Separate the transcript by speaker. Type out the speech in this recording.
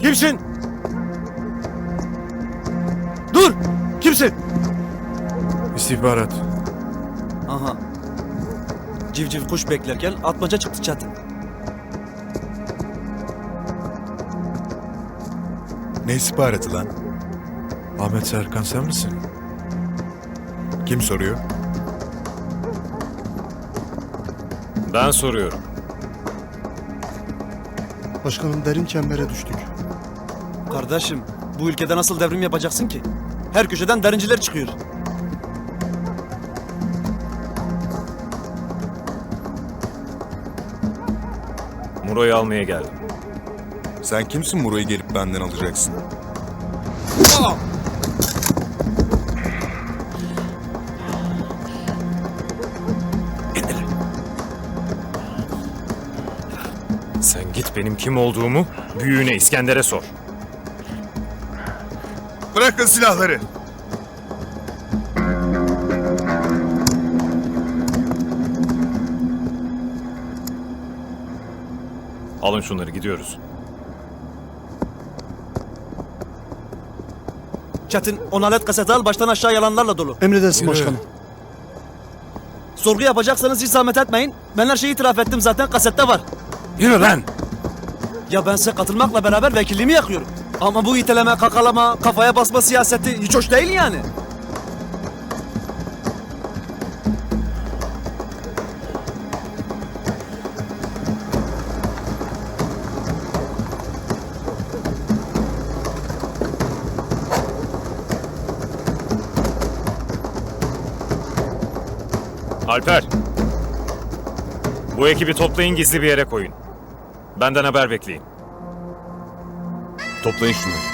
Speaker 1: Kimsin? Dur! Kimsin?
Speaker 2: İstihbarat.
Speaker 1: Aha. Civciv kuş beklerken atmaca çıktı Çetin.
Speaker 2: Ne istihbaratı lan? Ahmet Serkan sen misin? Kim soruyor?
Speaker 3: Ben soruyorum.
Speaker 4: Başkanım derin çembere düştük.
Speaker 1: Kardeşim, bu ülkede nasıl devrim yapacaksın ki? Her köşeden derinciler çıkıyor.
Speaker 3: Muro'yu almaya geldim.
Speaker 2: Sen kimsin Muro'yu gelip benden alacaksın?
Speaker 3: Sen git benim kim olduğumu büyüğüne İskender'e sor.
Speaker 2: Bırakın silahları.
Speaker 3: Alın şunları gidiyoruz.
Speaker 1: Çetin, 10 adet kaseti al, baştan aşağı yalanlarla dolu.
Speaker 4: Emredersin
Speaker 2: Yürü.
Speaker 4: başkanım.
Speaker 1: Sorgu yapacaksanız hiç zahmet etmeyin. Ben her şeyi itiraf ettim zaten, kasette var.
Speaker 2: Yürü lan!
Speaker 1: Ya ben size katılmakla beraber vekilliğimi yakıyorum. Ama bu iteleme, kakalama, kafaya basma siyaseti hiç hoş değil yani.
Speaker 3: Alper. Bu ekibi toplayın, gizli bir yere koyun. Benden haber bekleyin.
Speaker 2: Toplayın şunları.